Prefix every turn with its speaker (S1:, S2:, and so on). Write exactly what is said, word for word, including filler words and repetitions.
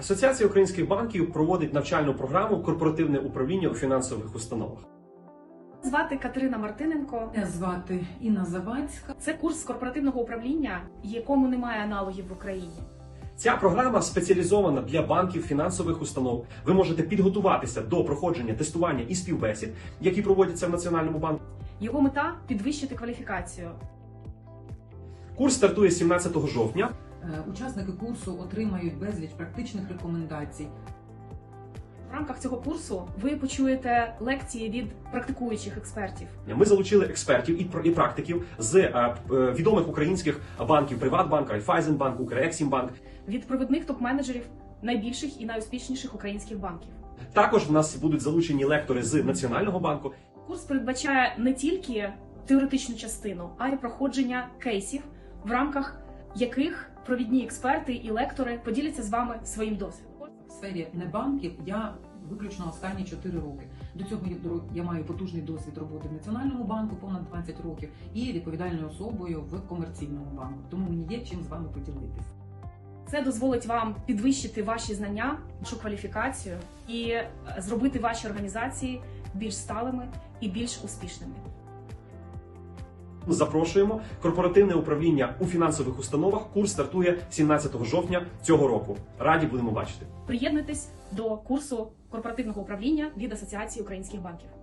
S1: Асоціація українських банків проводить навчальну програму «Корпоративне управління у фінансових установах».
S2: Звати Катерина Мартиненко.
S3: Мене звати Інна Завадська.
S2: Це курс корпоративного управління, якому немає аналогів в Україні.
S1: Ця програма спеціалізована для банків, фінансових установ. Ви можете підготуватися до проходження тестування і співбесід, які проводяться в Національному банку.
S2: Його мета – підвищити кваліфікацію.
S1: Курс стартує сімнадцятого жовтня.
S3: Е, Учасники курсу отримають безліч практичних рекомендацій.
S2: В рамках цього курсу ви почуєте лекції від практикуючих експертів.
S1: Ми залучили експертів і пр- і практиків з е, е, відомих українських банків: Приватбанк, Райфайзенбанк, Укрексімбанк.
S2: Від провідних топ-менеджерів найбільших і найуспішніших українських банків.
S1: Також в нас будуть залучені лектори з Національного банку.
S2: Курс передбачає не тільки теоретичну частину, а й проходження кейсів, в рамках яких провідні експерти і лектори поділяться з вами своїм досвідом.
S3: В сфері небанків я виключно останні чотири роки. До цього я маю потужний досвід роботи в Національному банку, понад двадцять років, і відповідальною особою в комерційному банку. Тому мені є чим з вами поділитися.
S2: Це дозволить вам підвищити ваші знання, вашу кваліфікацію і зробити ваші організації більш сталими і більш успішними.
S1: Запрошуємо. Корпоративне управління у фінансових установах. Курс стартує сімнадцятого жовтня цього року. Раді будемо бачити.
S2: Приєднуйтесь до курсу корпоративного управління від Асоціації українських банків.